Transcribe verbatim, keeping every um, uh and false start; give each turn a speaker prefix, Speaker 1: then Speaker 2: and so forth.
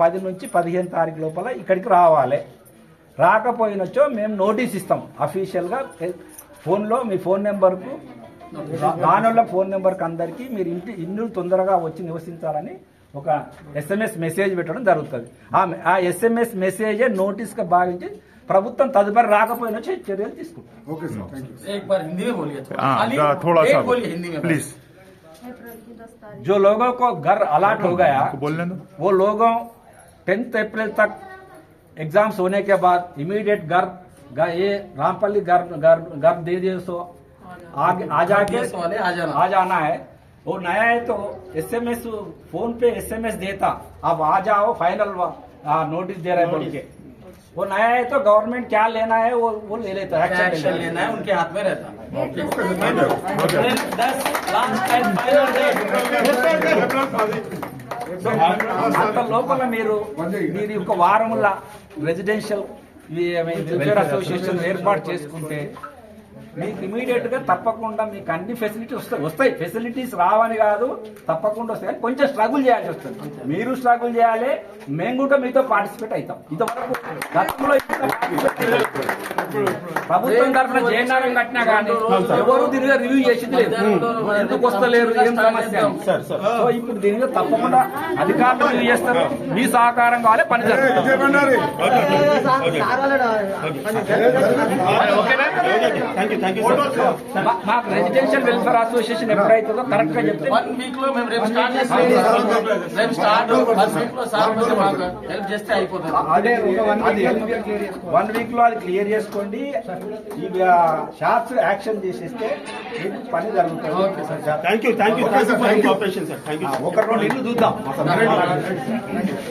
Speaker 1: పది నుంచి పదిహేను తారీఖు లోపల ఇక్కడికి రావాలి. రాకపోయినచ్చో మేము నోటీస్ ఇస్తాం అఫీషియల్గా ఫోన్లో మీ ఫోన్ నెంబర్కు దానిలో ఫోన్ నెంబర్కి అందరికీ మీరు ఇంటి ఇల్లు తొందరగా వచ్చి నివసించాలని ఒక ఎస్ఎంఎస్ మెసేజ్ పెట్టడం జరుగుతుంది. ఆ ఎస్ఎంఎస్ మెసేజే నోటీస్గా భావించి ప్రభుత్వం తదుపరి రాకపోయినా చర్యలు తీసుకుంటాం. जो लोगों को घर अलाट हो गया वो लोगों टेंथ अप्रैल तक एग्जाम्स होने के बाद इमीडिएट घर ये रामपल्ली घर घर घर दे दिए सो आगे आ जाके आ जाना है. वो नया है तो एसएमएस फोन पे एसएमएस देता अब आ जाओ फाइनल नोटिस दे रहे बोल के. वो नया है तो गवर्नमेंट क्या लेना है वो वो ले लेता है, एक्शन लेना है उनके हाथ में रहता है. అంత లోపల మీరు మీరు ఒక వారముల రెసిడెన్షియల్ వెల్ఫేర్ అసోసియేషన్ ఏర్పాటు చేసుకుంటే మీకు ఇమీడియట్ గా తప్పకుండా మీకు అన్ని ఫెసిలిటీస్ వస్తాయి వస్తాయి ఫెసిలిటీస్ రావని కాదు, తప్పకుండా వస్తాయి. కొంచెం స్ట్రగుల్ చేయాల్సి వస్తుంది. మీరు స్ట్రగుల్ చేయాలి, మేము కూడా మీతో పార్టిసిపేట్ అవుతాం. ఇంతవరకు గతంలో ప్రభుత్వం తరఫున జయనారం కట్టినా కానీ ఎవరు దీనిగా రివ్యూ చేసింది లేదు, ఎందుకు వస్తలేరు ఏం సమస్య. సో ఇప్పుడు దీని మీద తప్పకుండా అధికారులు రివ్యూ చేస్తారు. మీ సహకారం కావాలి, పని జరుగుతుంది. మాకు రెసిడెన్షియల్ వెల్ఫేర్ అసోసియేషన్ ఎప్పుడైతుందో కరెక్ట్ గా చెప్తే వన్ వీక్ లో మేము రేపు స్టార్ట్ చేస్తాం. రేపు స్టార్ట్ వన్ వీక్ లో సార్ కొంచెం మాకు హెల్ప్ చేస్తే అయిపోతుంది. అదే వన్ వీక్ లో అది క్లియర్ చేసుకోండి. ఇక షార్ట్స్ యాక్షన్ చేసేస్తే మీకు పని జరుగుతుంది.
Speaker 2: Thank you thank you thank you for cooperation sir. Thank you.
Speaker 1: ఒక రెండు ఇల్లు చూద్దాం.